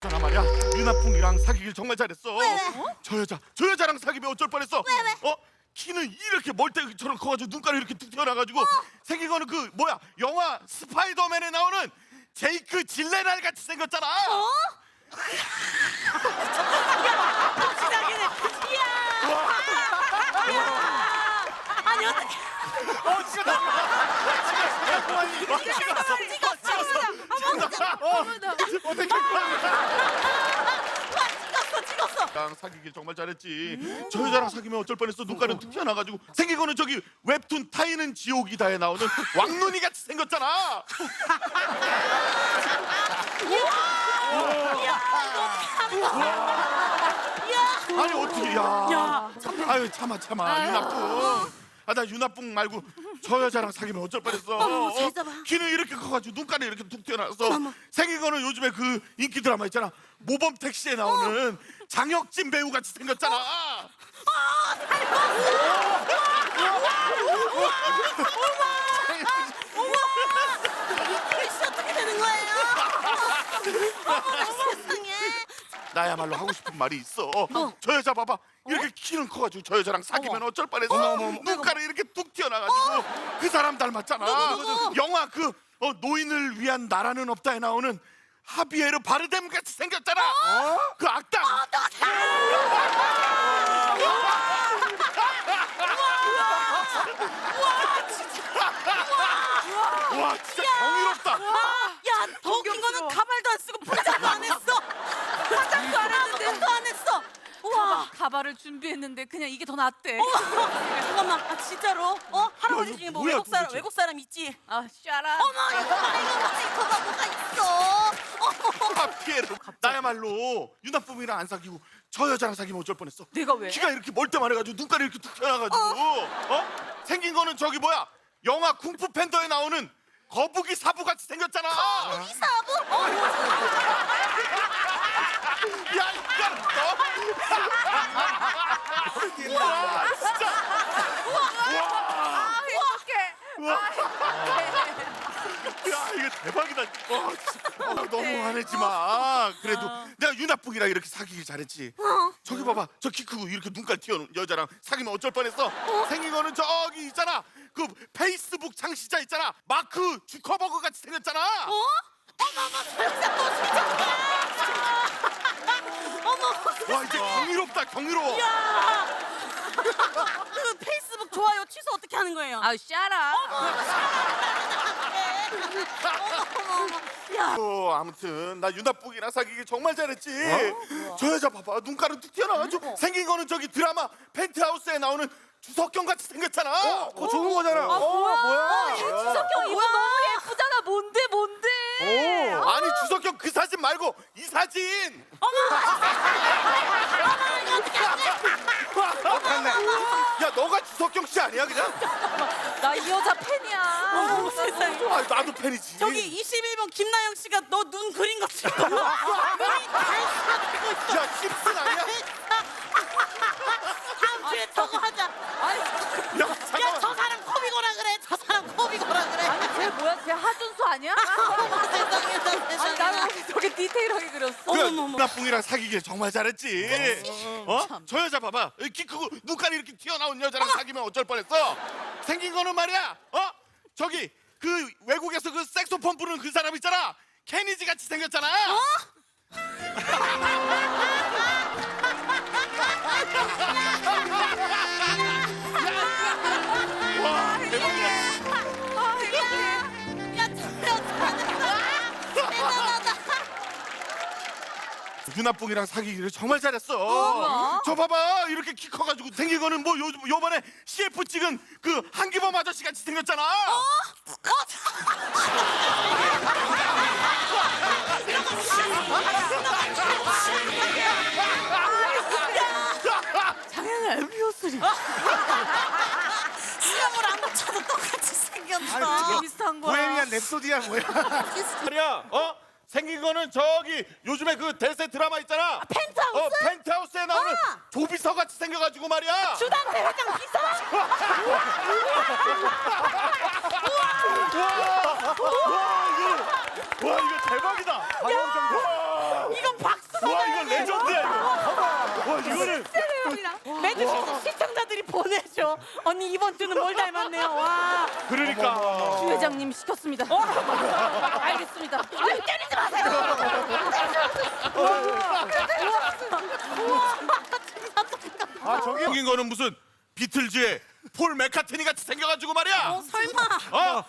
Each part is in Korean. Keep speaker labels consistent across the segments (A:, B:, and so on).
A: 잖아 말이야. 유나풍이랑 사귀길 정말 잘했어.
B: 왜?
A: 저 여자랑 사귀면 어쩔 뻔했어.
B: 왜?
A: 키는 이렇게 멀때처럼 커가지고 눈가루 이렇게 툭 튀어나가지고 생긴 거는 그 뭐야 영화 스파이더맨에 나오는 제이크 질레날 같이 생겼잖아.
B: 시작이네. 이야. 아니 어떻게? 찍었어.
A: 나랑 사귀길 정말 잘했지. 저 여자랑 사귀면 어쩔 뻔했어. 눈가루 툭 튀어나가지고 생긴 거는 저기 웹툰 타이는 지옥이다에 나오는 왕눈이 같이 생겼잖아. 아니 어떻게 야. 아유 참아 유나풍. 나 유나풍 말고 저 여자랑 사귀면 어쩔 뻔했어.
B: 잘 잡아.
A: 키는 이렇게 커가지고 눈가루 이렇게 툭 튀어나와서 생긴 거는 요즘에 그 인기 드라마 있잖아. 모범 택시에 나오는 장혁진 배우 같이 생겼잖아.
B: 글씨 어떻게 되는 거예요? 어머나 세상에.
A: 나야말로 하고 싶은 말이 있어. 저 여자 봐봐. 이렇게 키는 커가지고 저 여자랑 사귀면 어쩔 뻔했어. 눈가루 이렇게 뚝 튀어나가지고 그 사람 닮았잖아.
B: 누구?
A: 영화 그 노인을 위한 나라는 없다에 나오는 하비에르 바르뎀 같이 생겼잖아. 그 악당. 와 진짜 경이롭다.
B: 야, 더 웃긴 거는 가발도 안 쓰고 포장도 안 했어. 포장도 안 했는데 아무것도 안 했어. 우와.
C: 가발을 준비했는데 그냥 이게 더 낫대.
B: 잠깐만, 진짜로? 할아버지
A: 이거
B: 중에 뭐
A: 뭐야, 도대체?
B: 외국 사람 있지?
C: 아, 샤라.
B: 어머, 이거가 뭐가 있어?
A: 하비에르. 나야말로 유나쁨이랑 안 사귀고 저 여자랑 사귀면 어쩔 뻔했어.
C: 내가 왜?
A: 키가 이렇게 멀때만 해가지고 눈가루 이렇게 툭 튀어나가지고 생긴 거는 저기 뭐야 영화 쿵푸 팬더에 나오는 거북이 사부 같이 생겼잖아.
B: 이 사부?
A: 야 이거 너. 와 진짜.
C: 아, 행복해.
A: 야 이거 대박이다. 너무 화내지 마. 그래도 내가 유나뿡이랑 이렇게 사귀길 잘했지. 저기 봐봐. 저 키 크고 이렇게 눈깔 튀어놓은 여자랑 사귀면 어쩔 뻔했어. 생긴 거는 저기 있잖아. 그 페이스북 창시자 있잖아. 마크 주커버그 같이 생겼잖아. 와 이제 경이로워.
B: 그 페이스북 좋아요 취소 어떻게 하는 거예요?
C: 아, 샤라.
B: 야,
A: 아무튼 나 유나뿡이랑 사귀길 정말 잘했지. 저 여자 봐봐. 눈가루 툭 튀어나와가지고 생긴 거는 저기 드라마 펜트하우스에 나오는 주석경 같이 생겼잖아.
D: 그거 좋은 거잖아.
C: 뭐야? 주석경 이거 너무 예쁘잖아. 뭔데?
A: 아니 주석경 그 사진 말고 이 사진. 야 너가 주석경 씨 아니야 그냥?
C: 나 이 여자 팬이야.
B: 어머 세상에.
A: 아 나도 팬이지.
B: 저기 21번 김나영 씨가 너 눈 그린 것 같아. 눈이 다
A: 야 씹슨 아니야?
B: 다음 주에 저거 하자.
A: 야
B: 야,
A: 잠깐만.
B: 저 사람 코비거라 그래. 저 사람 코비거라 그래.
C: 아니, 쟤 뭐야? 쟤 하준수 아니야?
B: 어머 세상에.
C: 아니, 나는 왜 저게 디테일하게 그렸어?
B: 어머머머.
A: 유나뿡이랑 사귀길 정말 잘했지. 저 여자 봐봐. 키 크고 눈깔이 이렇게 튀어나온 여자랑 사귀면 어쩔 뻔했어. 생긴 거는 말이야. 저기 그 외국에서 그 색소폰 부르는 그 사람 있잖아. 케니지 같이 생겼잖아. 와 대박이야.
B: 야, 대단하다.
A: 유나뿡이랑 사귀기를 정말 잘했어. 저 봐봐 이렇게 키 커가지고 생긴 거는 뭐 요번에 CF 찍은 그 한기범 아저씨 같이 생겼잖아.
C: 장현아, 엠비오스리.
B: 수염을 안 붙여도 똑같이 생겼어.
C: 되게 비슷한 거야.
D: 보헤미안 랩소디야 뭐야?
A: 말이야. 생긴 거는 저기 요즘에 그 대세 드라마 있잖아.
B: 펜트하우스?
A: 펜트하우스에 나오는 조비서 같이 생겨가지고 말이야.
B: 주당대 회장 비서?
A: 와 이거 대박이다.
B: 이건 박
A: 와 이거 레전드야 이거. 와 이거는
B: 매주 시청자들이 보내줘. 언니 이번 주는 뭘 닮았네요. 와.
A: 그러니까.
B: 주 회장님 시켰습니다. 알겠습니다. 아유, 때리지 마세요.
A: 생긴 거는 무슨 비틀즈의 폴 맥카트니 같이 생겨가지고 말이야.
B: 설마.
A: 어?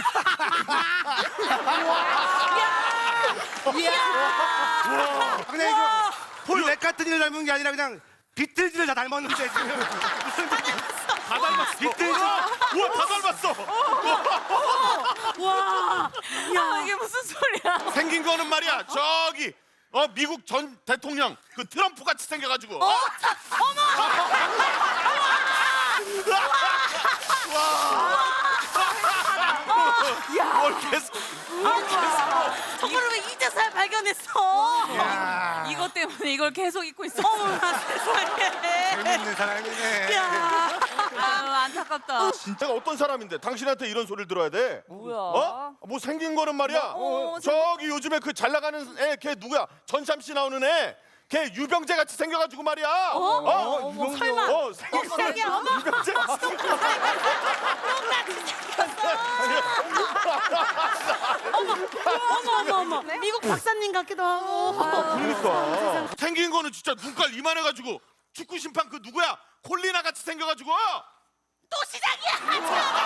D: 그냥 이거 폴 맥카트니를 닮은 게 아니라 그냥 비틀즈를 다 닮았는데 지금
A: 다 닮았어. 비틀즈. 우와 다 닮았어.
B: 와. 야, 이게 무슨 소리야?
A: 생긴 거는 말이야 저기 미국 전 대통령 그 트럼프 같이 생겨가지고. 뭘 계속.
B: 저거를 왜 이제서야 발견했어?
C: 이것 때문에 이걸 계속 잊고 있어.
B: 어머나 세상에.
D: 재밌는 사람이네.
B: 야.
C: 아유, 안타깝다.
A: 진짜가 어떤 사람인데 당신한테 이런 소리를 들어야 돼?
C: 뭐야?
A: 어? 뭐 생긴 거는 말이야. 저기 요즘에 그 잘 나가는 애 걔 누구야? 전참 씨 나오는 애. 걔 유병재 같이 생겨가지고 말이야.
B: 설마.
A: 생긴 거는
B: 깜짝이야, 어머.
A: 유병재.
B: 어머. 미국 박사님 같기도 하고.
A: 그러니까 생긴 거는 진짜 눈깔 이만해가지고 축구 심판 그 누구야? 콜리나 같이 생겨가지고.
B: 또 시작이야.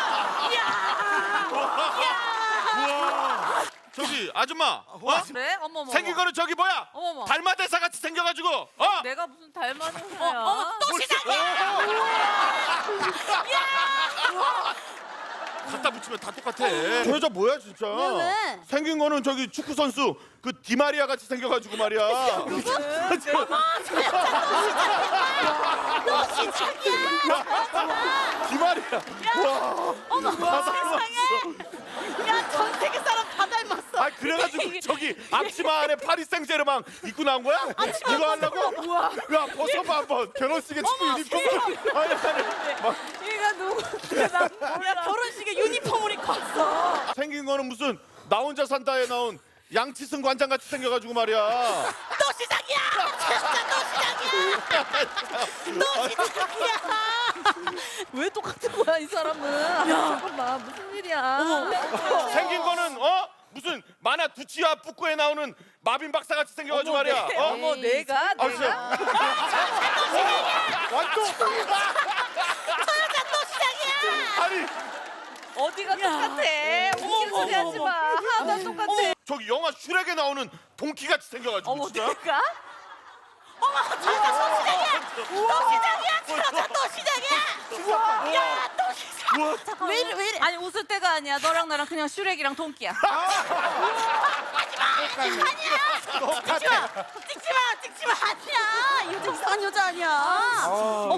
A: 우와. 저기 아줌마.
C: 그래? 어머머.
A: 생긴 거는 저기 뭐야?
C: 어머머.
A: 달마대사 같이 생겨가지고.
C: 내가 무슨 닮은 회사야?
B: 어머, 또 시작이야.
A: 갖다 붙이면 다 똑같아. 저 여자 뭐야 진짜?
B: 왜?
A: 생긴 거는 저기 축구 선수 그 디마리아 같이 생겨가지고 말이야. 디마리아. 와.
B: 어머, 세상에. 야, 전 세계 사람 다 닮았어.
A: 아 그래가지고 저기 앞치마 안에 파리 생제르맹 입고 나온 거야? 이거 하려고? 야 벗어봐 한번. 결혼식에 축구 유니폼. 아니. 막
C: 얘가 누구?
B: 야, 결혼식에 유니폼을 입고 왔어.
A: 생긴 거는 무슨 나 혼자 산다에 나온 양치승 관장 같이 생겨가지고 말이야.
B: 또 시작이야. 또 시작이야.
C: 왜 똑같은 거야 이 사람은? 잠깐만 무슨 일이야?
A: 생긴 거는 무슨 만화 두치와 뿌꾸에 나오는 마빈 박사 같이 생겨가지고 말이야.
C: 어머 내가
A: 아, 진짜. 완전.
B: 또 시작이야.
A: 아니
C: 어디가 똑같아? 웃긴 소리 하지 마. 하나도 똑같아.
A: 저기 영화 슈렉에 나오는 동키 같이 생겨가지고
C: 어머
A: 진짜.
C: 내가?
B: 또 시작이야. 야, 또 시작. 왜 이래?
C: 아니 웃을 때가 아니야. 너랑 나랑 그냥 슈렉이랑 동키야.
B: 찍지 마. 아니야. 요즘 이상한 여자 아니야.